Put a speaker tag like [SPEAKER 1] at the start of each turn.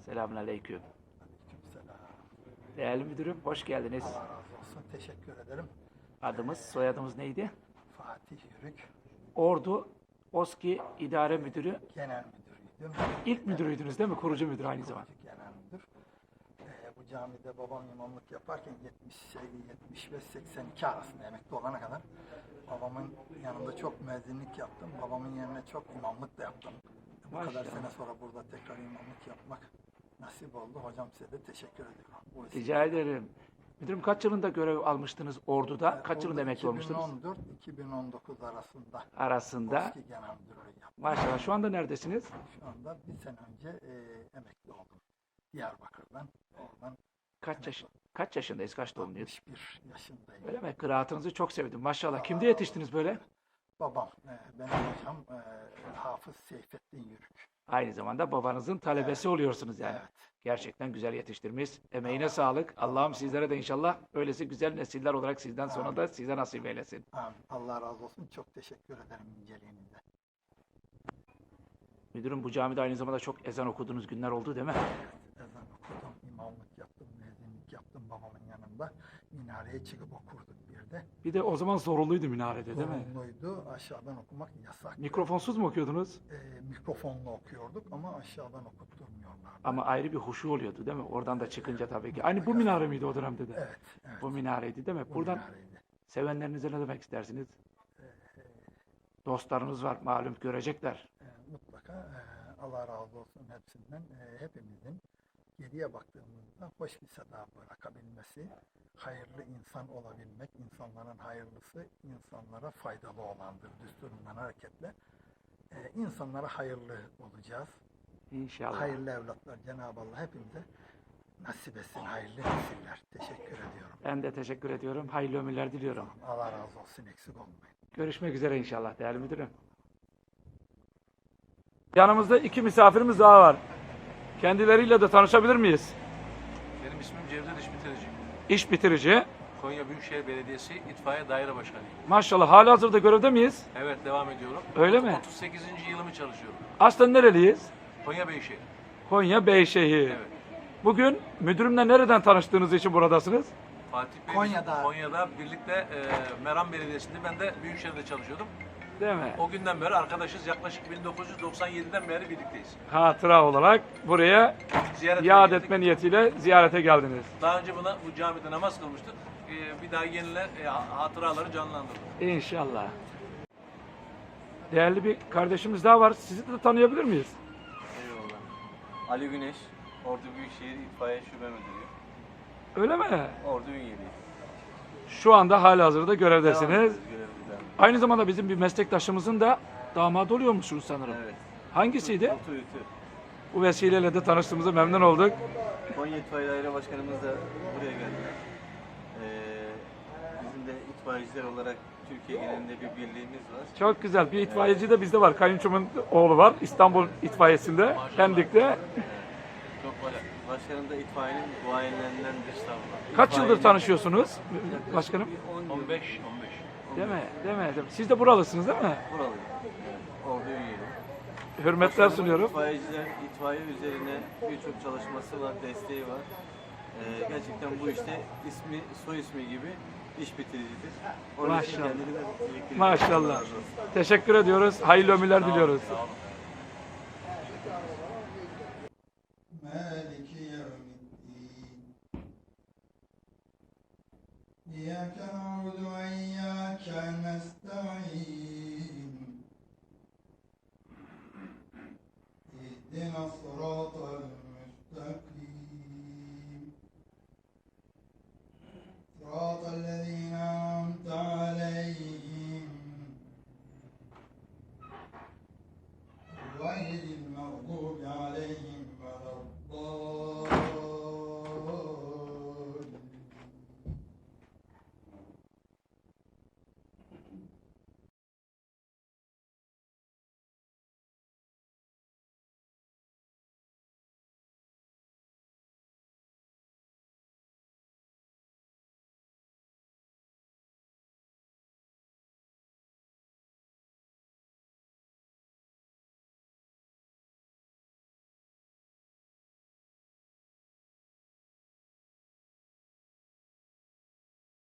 [SPEAKER 1] Selamünaleyküm.
[SPEAKER 2] Aleykümselam.
[SPEAKER 1] Değerli müdürüm, hoş geldiniz.
[SPEAKER 2] Allah razı olsun. Teşekkür ederim.
[SPEAKER 1] Adımız, soyadımız neydi?
[SPEAKER 2] Fatih Yürük,
[SPEAKER 1] Ordu OSKİ İdare Müdürü.
[SPEAKER 2] genel müdürüydüm.
[SPEAKER 1] İlk müdürüydünüz değil mi? Kurucu müdür aynı zamanda.
[SPEAKER 2] Genel müdür. Bu camide babam imamlık yaparken 75-82 arasında emekli olana kadar babamın yanında çok müezzinlik yaptım. Babamın yerine çok imamlık da yaptım. Bu kadar
[SPEAKER 1] Maşallah.
[SPEAKER 2] sene sonra burada tekrar imamlık yapmak nasip oldu. Hocam size de teşekkür ediyorum.
[SPEAKER 1] Rica ederim. Müdürüm kaç yılında görev almıştınız Ordu'da? Kaç yılında emekli olmuştunuz?
[SPEAKER 2] 2014-2019 arasında
[SPEAKER 1] Arasında.
[SPEAKER 2] OSKİ genel müdürlüğü yaptım.
[SPEAKER 1] Maşallah. Şu anda neredesiniz?
[SPEAKER 2] Şu anda bir sene önce emekli oldum. Diyarbakır'dan. Oradan
[SPEAKER 1] Kaç yaşındayız? Kaç doğumluyuz?
[SPEAKER 2] 61 yaşındayım.
[SPEAKER 1] Öyle mi? Kıraatınızı çok sevdim. Maşallah. Kimde yetiştiniz böyle?
[SPEAKER 2] Babam, benim hocam Hafız Seyfettin Yürük.
[SPEAKER 1] Aynı zamanda babanızın talebesi oluyorsunuz yani.
[SPEAKER 2] Evet.
[SPEAKER 1] Gerçekten güzel yetiştirmiş. Emeğine sağlık. Allah'ım sizlere de inşallah öylesi güzel nesiller olarak sizden sonra da size nasip eylesin.
[SPEAKER 2] Amin. Allah razı olsun. Çok teşekkür ederim inceliğinize.
[SPEAKER 1] Müdürüm bu camide aynı zamanda çok ezan okuduğunuz günler oldu değil mi?
[SPEAKER 2] Ezan okudum, imamlık yaptım, müezzinlik yaptım babamın yanında. Minareye çıkıp okurduk bir de.
[SPEAKER 1] Bir de o zaman zorunluydu minarede değil mi?
[SPEAKER 2] Zorunluydu. Aşağıdan okumak yasak.
[SPEAKER 1] Mikrofonsuz mu okuyordunuz?
[SPEAKER 2] Mikrofonla okuyorduk ama aşağıdan okutturmuyorlardı.
[SPEAKER 1] Ama ayrı bir huşu oluyordu değil mi? Oradan da çıkınca tabii ki. Aynı bu minare miydi o dönemde de?
[SPEAKER 2] Evet, evet.
[SPEAKER 1] Bu minareydi değil mi?
[SPEAKER 2] Bu
[SPEAKER 1] Buradan
[SPEAKER 2] minareydi.
[SPEAKER 1] sevenlerinize ne demek istersiniz? Dostlarınız var malum görecekler.
[SPEAKER 2] Mutlaka Allah razı olsun hepsinden. Hepimizin geriye baktığımızda hoş bir seda bırakabilmesi, hayırlı insan olabilmek, insanların hayırlısı insanlara faydalı olandır düsturundan hareketle. İnsanlara hayırlı olacağız.
[SPEAKER 1] İnşallah.
[SPEAKER 2] Hayırlı evlatlar Cenab-ı Allah hepimize nasip etsin, hayırlı nesiller. Teşekkür ediyorum.
[SPEAKER 1] Ben de teşekkür ediyorum. Hayırlı ömürler diliyorum.
[SPEAKER 2] Allah razı olsun, eksik olmayın.
[SPEAKER 1] Görüşmek üzere inşallah değerli müdürüm. Yanımızda iki misafirimiz daha var. Kendileriyle de tanışabilir miyiz?
[SPEAKER 3] Benim ismim Cevdet İş Bitirici.
[SPEAKER 1] İş bitirici.
[SPEAKER 3] Konya Büyükşehir Belediyesi İtfaiye Daire Başkanıyım.
[SPEAKER 1] Maşallah halihazırda görevde miyiz?
[SPEAKER 3] Evet, devam ediyorum.
[SPEAKER 1] Öyle mi?
[SPEAKER 3] 38. yılımı çalışıyorum.
[SPEAKER 1] Aslen nereliyiz?
[SPEAKER 3] Konya Büyükşehir.
[SPEAKER 1] Konya Beyşehir.
[SPEAKER 3] Evet.
[SPEAKER 1] Bugün müdürümle nereden tanıştığınız için buradasınız?
[SPEAKER 3] Fatih Bey Konya'da birlikte Meram Belediyesi'nde, ben de Büyükşehir'de çalışıyordum.
[SPEAKER 1] Değil mi?
[SPEAKER 3] O günden beri arkadaşız. Yaklaşık 1997'den beri birlikteyiz.
[SPEAKER 1] Hatıra olarak buraya
[SPEAKER 3] Ziyaret
[SPEAKER 1] yad
[SPEAKER 3] ettik.
[SPEAKER 1] etme niyetiyle ziyarete geldiniz.
[SPEAKER 3] Daha önce bu camide namaz kılmıştık. Bir daha yeniler hatıraları canlandırdık.
[SPEAKER 1] İnşallah. Değerli bir kardeşimiz daha var. Sizi de tanıyabilir miyiz?
[SPEAKER 4] Eyvallah. Ali Güneş, Ordu Büyükşehir İtfaiye Şube Müdürü.
[SPEAKER 1] Öyle mi?
[SPEAKER 4] Ordu Ünyeli.
[SPEAKER 1] Şu anda halihazırda
[SPEAKER 4] Devam
[SPEAKER 1] görevdesiniz.
[SPEAKER 4] ediyoruz görevden.
[SPEAKER 1] Aynı zamanda bizim bir meslektaşımızın da damadı oluyormuşsunuz sanırım.
[SPEAKER 4] Evet.
[SPEAKER 1] Hangisiydi?
[SPEAKER 4] Otu Ütü.
[SPEAKER 1] Bu vesileyle de tanıştığımıza memnun olduk.
[SPEAKER 4] Konya İtfaiye Daire Başkanımız da buraya geldiler. Bizim de itfaiyeciler olarak Türkiye genelinde bir birliğimiz var.
[SPEAKER 1] Çok güzel. Bir itfaiyeci de bizde var. Kayınçomun oğlu var. İstanbul itfaiyesinde. Pendik'te.
[SPEAKER 4] Çok var. Başkanım da itfaiyenin duayenlerindendir. Estağfurullah.
[SPEAKER 1] Kaç yıldır
[SPEAKER 4] İtfaiyenin
[SPEAKER 1] tanışıyorsunuz başkanım?
[SPEAKER 4] bir 10 yıl.
[SPEAKER 3] 15.
[SPEAKER 1] Değil mi? Değil mi? Değil mi? Siz de buralısınız değil mi?
[SPEAKER 4] Buralıyım. Ordu Ünyeli.
[SPEAKER 1] Hürmetler
[SPEAKER 4] Başkanımın
[SPEAKER 1] sunuyorum.
[SPEAKER 4] İtfaiye üzerine birçok çalışması var, desteği var. Gerçekten bu işte soy ismi gibi iş bitiricidir. Onun için
[SPEAKER 1] Maşallah.
[SPEAKER 4] kendini de birlikte-
[SPEAKER 1] Maşallah.
[SPEAKER 4] Allah razı olsun.
[SPEAKER 1] Teşekkür ediyoruz. Hayırlı ömürler diliyoruz.
[SPEAKER 3] Sağ olun.
[SPEAKER 2] مالك يوم الدين إياك نعبد وإياك نستعين اهدنا الصراط المستقيم صراط الذين أنعمت عليهم غير المغضوب